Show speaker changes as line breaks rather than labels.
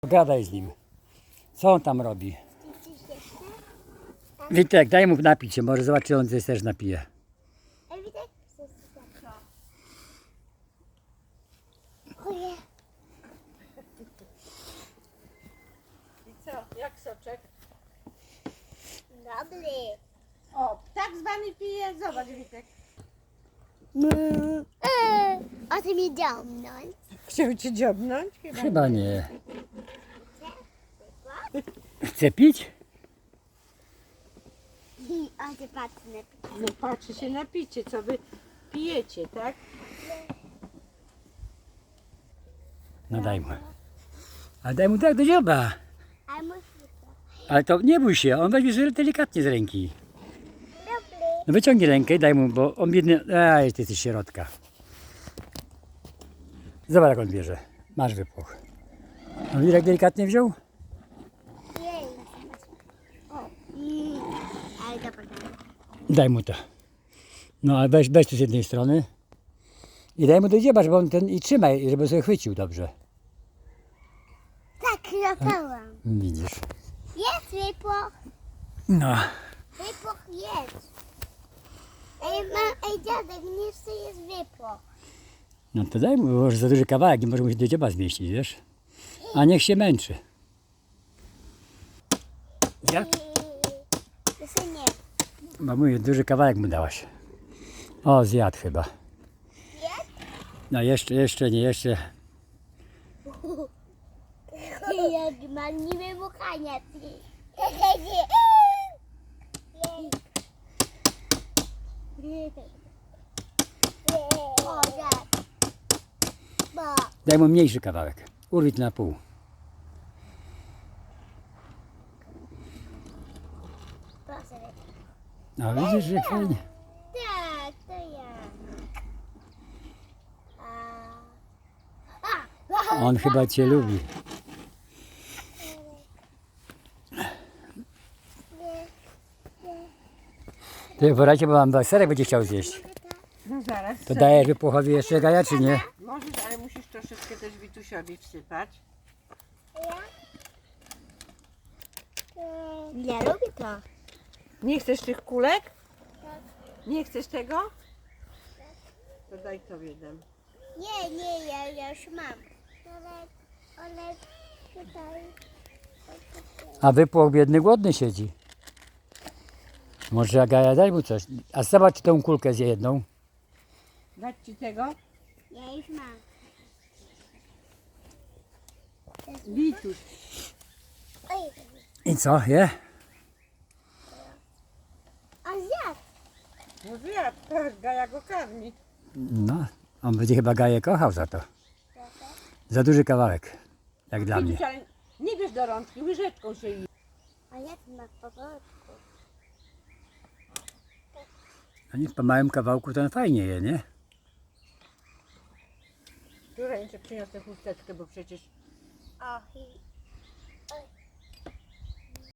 Gadaj z nim. Co on tam robi? Witek, daj mu napić się, może zobaczy, on też napije.
I co? Jak soczek?
Dobry.
O, tak zwany pije. Zobacz, Witek.
O ty mi dziomnąć.
Chciał cię dziobnąć?
Chyba nie. Chce pić?
O ty patrz na
No patrzy się na picie, co wy pijecie, tak?
No daj mu. Ale daj mu tak do dzioba.
A musi
Ale to nie bój się, on weźmie delikatnie z ręki.
dobry.
No wyciągnij rękę i daj mu, bo on biedny... Aj, ty jesteś środka. Zobacz, jak on bierze. Masz wypłoch. No widzisz, jak delikatnie wziął?
Jej. Ale dobra.
Daj mu to. No ale weź tu z jednej strony. I daj mu do dzioba, żeby on ten... I trzymaj, żeby sobie chwycił dobrze.
Tak, zapałam.
Widzisz.
Jest wypłoch.
No.
Wypłoch jest. Ej dziadek, nie chcę jest wypłoch.
No to daj mu, bo może za duży kawałek, nie może mu się do dzioba zmieścić, wiesz? A niech się męczy. Ja?
Jeszcze nie.
Bo mówię, duży kawałek mu dałaś. O, zjadł chyba.
Jest?
No jeszcze nie, jeszcze.
Jak mam niby mukania. O, tak. Bo.
Daj mu mniejszy kawałek. Urwij to na pół.
Proszę.
No widzisz, że fajnie.
Tak, to ja.
On chyba cię lubi. Ty poradźcie, bo mam serek będzie chciał zjeść.
No zaraz.
To dajesz wypłochowi jeszcze gaja, czy nie?
Możesz, ale musisz troszeczkę też Witusiowi wsypać.
Ja lubię to.
Nie chcesz tych kulek? Nie chcesz tego? To daj tobie dam.
Nie, ja już mam. Ale tutaj.
A wypłoch biedny głodny siedzi. Może Agaja, daj mu coś. A zobacz tą kulkę zje jedną.
Dać ci tego?
Ja już mam.
Wituś.
Oj,
I co, je?
a zjadł.
No zjadł, tak, Gaja go karmi.
No, on będzie chyba Gaję kochał za to. Za duży kawałek, jak dla mnie.
Wituś, ale nie bierz do rączki, łyżeczką się je.
A jak ma po polsku?
A nie, po małym kawałku to on fajnie je, nie?
Tu ręce przyniosę chusteczkę, bo przecież
O,